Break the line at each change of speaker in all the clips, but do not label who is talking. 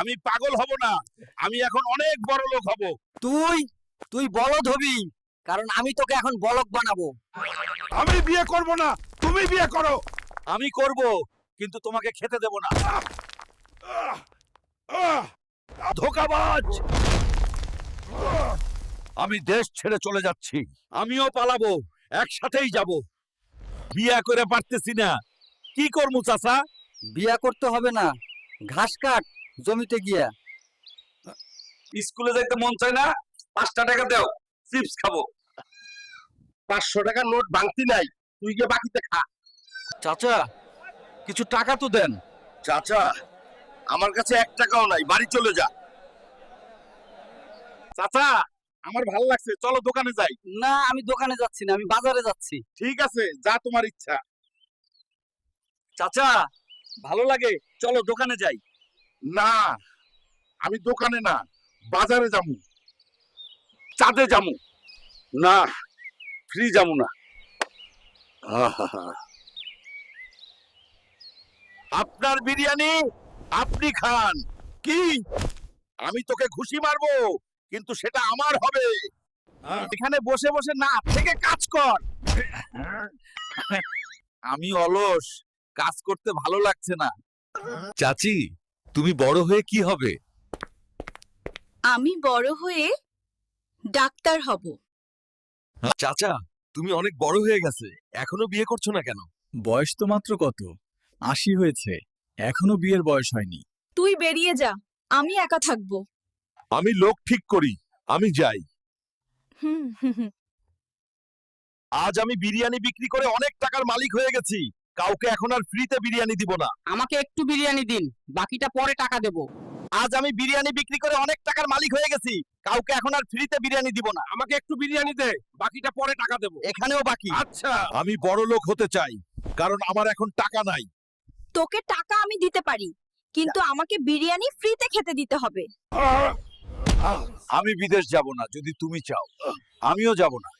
আমি পাগল হব না, আমি এখন অনেক বড় লোক হব।
তুই তুই বলদ হবি, কারণ আমি তোকে এখন বলদ বানাবো।
আমি বিয়ে করব না, তুমি বিয়ে করো। আমি করব, কিন্তু তোমাকে খেতে দেব না। ধোঁকাবাজ! আমি দেশ ছেড়ে চলে যাচ্ছি। আমিও পালাবো, একসাথেই যাব। বিয়ে করে পারতেছি না, কি করমু চাচা?
বিয়া করতে হবে না, ঘাস কাট জমিতে গিয়া।
স্কুলে যাইতে মন চায় না, 5টা টাকা দাও, চিপস খাবো। 500 টাকার নোট ভাঙতি নাই, তুই গিয়ে বাকিতে খা। চাচা, কিছু টাকা তো দেন। চাচা, আমার কাছে 1 টাকাও নাই, বাড়ি চলে যা। চাচা, আমার ভালো লাগছে, চলো দোকানে যাই।
না, আমি দোকানে যাচ্ছি না, আমি বাজারে যাচ্ছি।
ঠিক আছে, যা তোমার ইচ্ছা। চাচা, ভালো লাগে, চলো দোকানে যাই। না, আমি দোকানে না, বাজারে যামু। চাঁদে যামু। না, ফ্রি যামু না। আহা! আপনার বিরিয়ানি আপনি খান। কি? আমি তোকে ঘুষি মারবো, কিন্তু সেটা আমার হবে। এখানে বসে বসে না থেকে কাজ কর। আমি অলস, কাজ করতে ভালো লাগছে না। চাচি, তুমি বড় হয়ে কি হবে?
আমি বড় হয়ে ডাক্তার হব।
চাচা, তুমি অনেক বড় হয়ে গেছে, এখনো বিয়ে করছো না কেন?
বয়স তো মাত্র কত 80 হয়েছে, এখনো বিয়ের বয়স হয়নি।
তুই বেরিয়ে যা, আমি একা থাকবো।
আমি লোক ঠিক করি, আমি যাই।
হুম হুম হুম।
আজ আমি বিরিয়ানি বিক্রি করে অনেক টাকার মালিক হয়ে গেছি, কাউকে এখন আর ফ্রিতে বিরিয়ানি দিব না।
আমাকে একটু বিরিয়ানি দিন, বাকিটা পরে টাকা দেব।
আজ আমি বিরিয়ানি বিক্রি করে অনেক টাকার মালিক হয়ে গেছি, কাউকে এখন আর ফ্রিতে বিরিয়ানি দিব না। আমাকে একটু বিরিয়ানি দে, বাকিটা পরে টাকা দেব। এখানেও বাকি। আচ্ছা, আমি বড় লোক হতে চাই, কারণ আমার এখন টাকা নাই।
তোকে টাকা আমি দিতে পারি, কিন্তু আমাকে বিরিয়ানি ফ্রিতে খেতে দিতে হবে।
আমি বিদেশ যাব না যদি তুমি চাও, আমিও যাব না।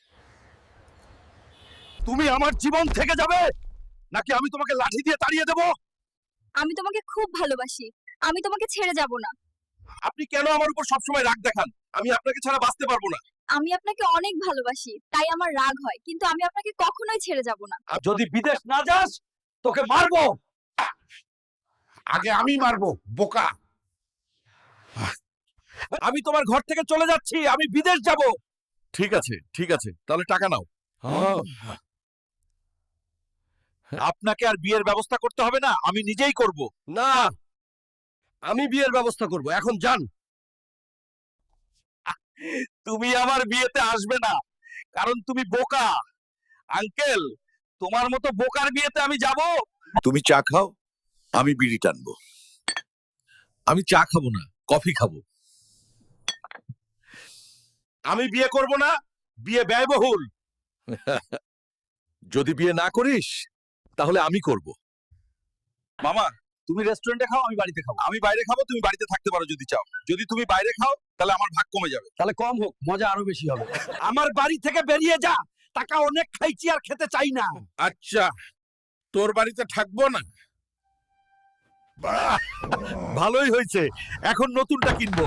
তুমি আমার জীবন থেকে যাবে, নাকি আমি তোমাকে লাঠি দিয়ে তাড়িয়ে দেব?
আমি তোমাকে খুব ভালোবাসি, আমি তোমাকে ছেড়ে যাব না।
আপনি কেন আমার উপর সবসময় রাগ দেখান? আমি আপনাকে ছাড়া বাঁচতে পারবো না।
আমি আপনাকে অনেক ভালোবাসি, তাই আমার রাগ হয়, কিন্তু আমি আপনাকে কখনোই ছেড়ে যাব না।
আর যদি বিদেশ না যাস, তোকে মারবো। আগে আমি মারবো, বোকা। আমি তোমার ঘর থেকে চলে যাচ্ছি, আমি বিদেশ যাব। ঠিক আছে, ঠিক আছে, তাহলে টাকা নাও। আপনাকে আর বিয়ের ব্যবস্থা করতে হবে না, আমি নিজেই করব। না, আমি বিয়ের ব্যবস্থা করব, এখন যান। তুমি আমার বিয়েতে আসবে না, কারণ তুমি বোকা। আঙ্কেল, তোমার মতো বোকার বিয়েতে আমি যাব? তুমি চা খাও, আমি বিড়ি টানবো। আমি চা খাবো না, কফি খাবো। আমি বিয়ে করব না, বিয়ে ব্যয়বহুল। যদি বিয়ে না করিস, তাহলে আমি করব। মামা, তুমি রেস্টুরেন্টে খাও, আমি বাড়িতে খাবো। আমি বাইরে খাবো, তুমি বাড়িতে থাকতে পারো যদি চাও। যদি তুমি বাইরে খাও, তাহলে আমার ভাগ কমে যাবে।
তাহলে কম হোক, মজা আরো বেশি হবে।
আমার বাড়ি থেকে বেরিয়ে যা, টাকা অনেক খাইছি আর খেতে চাই না। আচ্ছা, তোর বাড়িতে থাকবো না। বাহ, ভালোই হয়েছে, এখন নতুনটা কিনবো।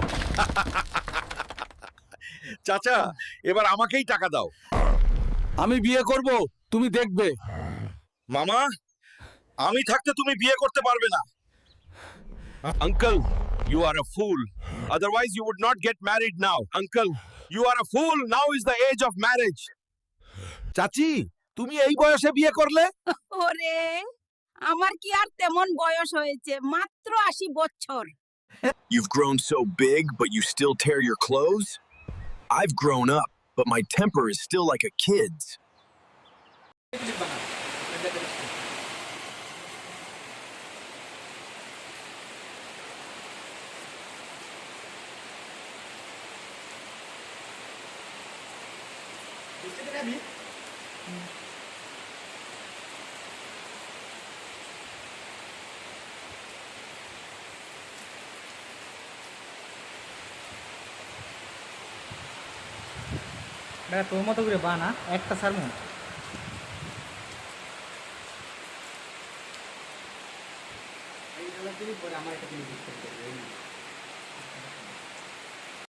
চাচা, এবার আমাকেই টাকা দাও।
আমি বিয়ে করব, তুমি দেখবে।
মামা, আমি থাকতে তুমি বিয়ে করতে পারবে না। Uncle, you are a fool. Otherwise you would not get married now. Uncle, you are a fool. Now is the age of marriage. চাচি, তুমি এই বয়সে বিয়ে করলে?
ওরে, আমার কি আর তেমন বয়স হয়েছে, মাত্র 80 বছর।
You've grown so big, but you still tear your clothes? I've grown up, but my temper is still like a kid's.
তোর মতো করে বানা একটা সারমু